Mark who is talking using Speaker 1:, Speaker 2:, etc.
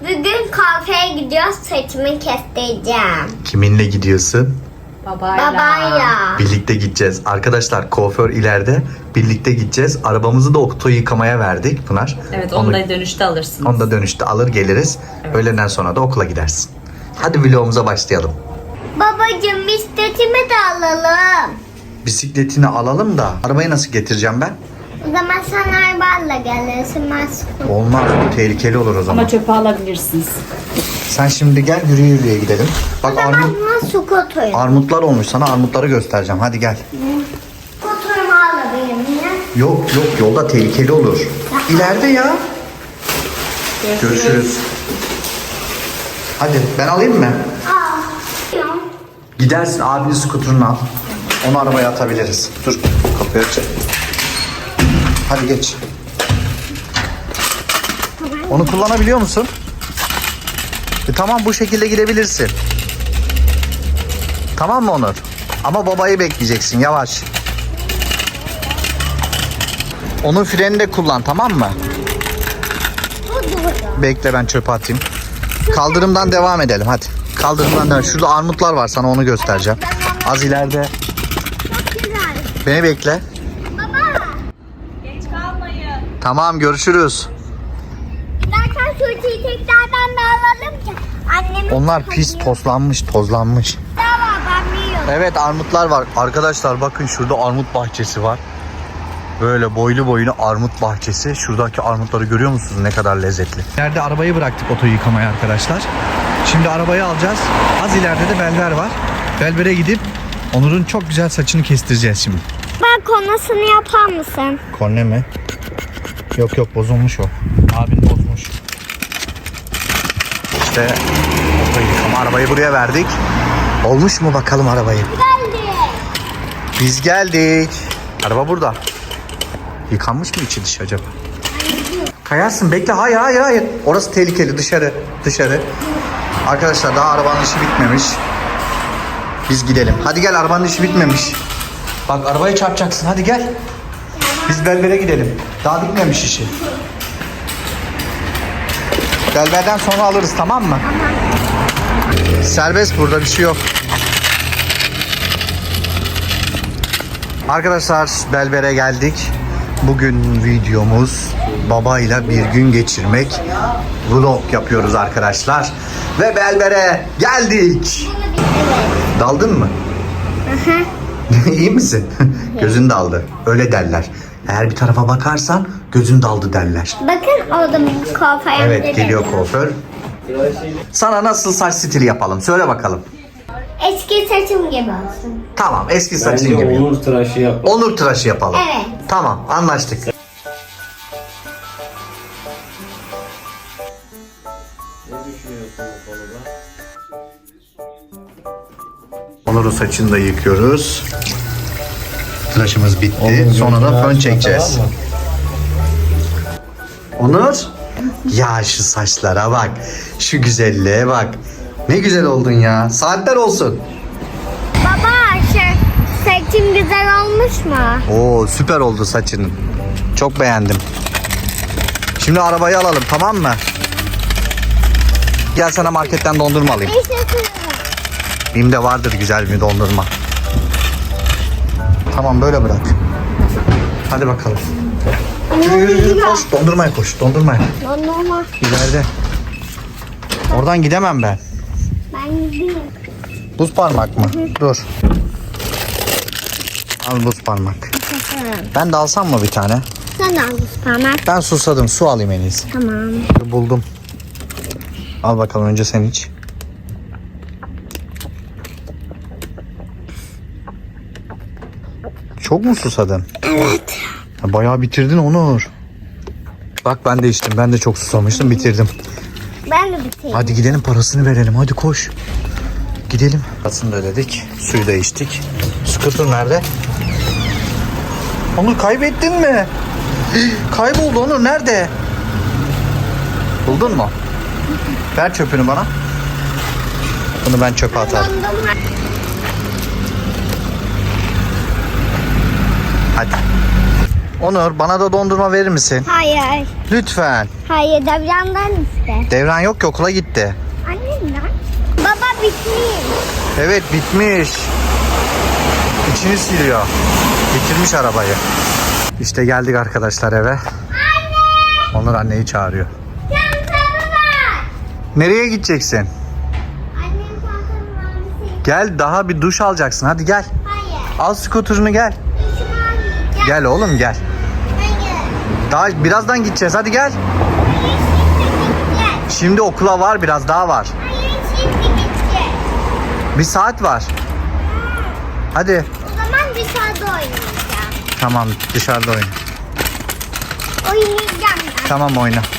Speaker 1: Bugün kafeye gidiyoruz. Saçımı kestireceğim.
Speaker 2: Kiminle gidiyorsun?
Speaker 1: Babayla.
Speaker 2: Birlikte gideceğiz. Arkadaşlar kuaför ileride. Birlikte gideceğiz. Arabamızı da oto yıkamaya verdik Pınar.
Speaker 3: Evet, onu da dönüşte alırsınız.
Speaker 2: Onu da dönüşte alır geliriz.
Speaker 3: Evet.
Speaker 2: Öğleden sonra da okula gidersin. Hadi vlogumuza başlayalım.
Speaker 1: Babacığım bisikletimi de alalım.
Speaker 2: Bisikletini alalım da arabayı nasıl getireceğim ben?
Speaker 1: O zaman sen arabayla gelirsin. Ben sıkıldım.
Speaker 2: Olmaz, bu tehlikeli olur o zaman.
Speaker 3: Ama çöpe alabilirsiniz.
Speaker 2: Sen şimdi gel, yürüye yürüye gidelim. Bak
Speaker 1: Ben buna skuter.
Speaker 2: armutlar olmuş, sana armutları göstereceğim. Hadi gel.
Speaker 1: Skuterimi alabilirim ya.
Speaker 2: Yok yolda tehlikeli olur. İleride ya. Görüşürüz. Hadi ben alayım mı?
Speaker 1: Aa. Yok.
Speaker 2: Gidersin, abinin skuterını al. Onu arabaya atabiliriz. Dur, kapıyı aç. Hadi geç. Onu kullanabiliyor musun? Tamam, bu şekilde gidebilirsin. Tamam mı Onur? Ama babayı bekleyeceksin, yavaş. Onun frenini de kullan, tamam mı? Bekle, ben çöpe atayım. Kaldırımdan devam edelim hadi. Kaldırımdan devam. Şurada armutlar var, sana onu göstereceğim. Az ileride.
Speaker 1: Çok güzel.
Speaker 2: Beni bekle.
Speaker 1: Baba.
Speaker 3: Geç kalmayın.
Speaker 2: Tamam, görüşürüz.
Speaker 1: Zaten suçuyu tekrardan da alalım ki. Annemin
Speaker 2: Onlar pis, tozlanmış.
Speaker 1: daha var, ben biliyorum.
Speaker 2: Evet, armutlar var. Arkadaşlar bakın, şurada armut bahçesi var. Böyle boylu boyuna armut bahçesi. Şuradaki armutları görüyor musunuz? Ne kadar lezzetli. İleride arabayı bıraktık oto yıkamaya arkadaşlar. Şimdi arabayı alacağız. Az ileride de Belber var. Belber'e gidip Onur'un çok güzel saçını kestireceğiz şimdi.
Speaker 1: Ben konusunu yapar mısın?
Speaker 2: Korne mi? Yok bozulmuş o. Abin bozmuş. İşte oto yıkama, arabayı buraya verdik. Olmuş mu bakalım arabayı?
Speaker 1: Geldi.
Speaker 2: Biz geldik. Araba burada. Yıkanmış mı içi dışı acaba? Kayarsın, bekle. Hayır. Orası tehlikeli. Dışarı. Arkadaşlar daha arabanın işi bitmemiş. Biz gidelim. Hadi gel, arabanın işi bitmemiş. Bak, arabaya çarpacaksın. Hadi gel. Biz Belber'e gidelim. Daha bitmemiş işi. Belber'den sonra alırız, tamam mı? Serbest, burada bir şey yok. Arkadaşlar Belber'e geldik. Bugün videomuz babayla bir gün geçirmek. Vlog yapıyoruz arkadaşlar. Ve Belber'e geldik. Daldın mı? İyi misin? Gözün daldı. Öyle derler. Eğer bir tarafa bakarsan gözün daldı derler.
Speaker 1: Bakın orada kuaförüm.
Speaker 2: Evet, geliyor kuaför. Sana nasıl saç stili yapalım? Söyle bakalım.
Speaker 1: Eski saçım gibi olsun.
Speaker 2: Tamam, eski saçın
Speaker 4: Bence
Speaker 2: gibi.
Speaker 4: Onur tıraşı yap.
Speaker 2: Onur tıraşı yapalım.
Speaker 1: Evet.
Speaker 2: Tamam, anlaştık.
Speaker 4: Ne düşünüyorsun bu konuda?
Speaker 2: Onur'un saçını da yıkıyoruz. Tıraşımız bitti.
Speaker 4: Onur,
Speaker 2: Sonra da fön
Speaker 4: gözünü
Speaker 2: çekeceğiz.
Speaker 4: açma,
Speaker 2: Onur. Ya şu saçlara bak. Şu güzelliğe bak. Ne güzel oldun ya. Saatler olsun.
Speaker 1: Baba saçım güzel olmuş mu?
Speaker 2: Oo, süper oldu saçın. Çok beğendim. Şimdi arabayı alalım, tamam mı? Gel, sana marketten dondurma alayım. Bim'de vardır güzel bir dondurma. Tamam, böyle bırak. Hadi bakalım. Yürü koş. Dondurmaya koş. Dondurmaya.
Speaker 1: Dondurma.
Speaker 2: İleride. Oradan gidemem ben.
Speaker 1: Ben gideyim.
Speaker 2: Buz parmak mı? Dur. Al buz parmak. Ben de alsam mı bir tane?
Speaker 1: Sen al parmak.
Speaker 2: Ben susadım. Su alayım en iyisi.
Speaker 1: Tamam.
Speaker 2: Buldum. Al bakalım, önce sen iç. Çok mu susadın?
Speaker 1: Evet.
Speaker 2: Bayağı bitirdin Onur. Bak, ben de içtim. Ben de çok susamıştım. Bitirdim.
Speaker 1: Ben de bitireyim.
Speaker 2: Hadi gidelim, parasını verelim. Hadi koş. Gidelim. Parasını da ödedik. Suyu da içtik. Scooter nerede? Onur, kaybettin mi? Kayboldu Onur. Nerede? Buldun mu? Ver çöpünü bana. Bunu ben çöpe atarım.
Speaker 1: Dondurma.
Speaker 2: Hadi. Onur bana da dondurma verir misin?
Speaker 1: Hayır.
Speaker 2: Lütfen.
Speaker 1: Hayır, Devran'dan iste.
Speaker 2: Devran yok ki okula gitti.
Speaker 1: Annemden. Baba bitmiş.
Speaker 2: Evet bitmiş. İçini siliyor. Bitirmiş arabayı. İşte geldik arkadaşlar eve.
Speaker 1: Anne!
Speaker 2: Onur anneyi çağırıyor.
Speaker 1: Çantamı var.
Speaker 2: Nereye gideceksin?
Speaker 1: Annem çantamı var.
Speaker 2: Gel daha bir duş alacaksın. Hadi gel.
Speaker 1: Hayır.
Speaker 2: Al skuterını gel.
Speaker 1: Şunu almayacağım.
Speaker 2: Gel oğlum gel.
Speaker 1: Hayır.
Speaker 2: Daha birazdan gideceğiz. Hadi gel.
Speaker 1: Hayır, şimdi gideceğiz.
Speaker 2: Şimdi okula var biraz daha var.
Speaker 1: Hayır, şimdi gideceğiz.
Speaker 2: Bir saat var. Hadi.
Speaker 1: O zaman dışarıda oynayacağım.
Speaker 2: Tamam dışarıda oyna.
Speaker 1: Oynayacağım ben.
Speaker 2: Tamam oyna.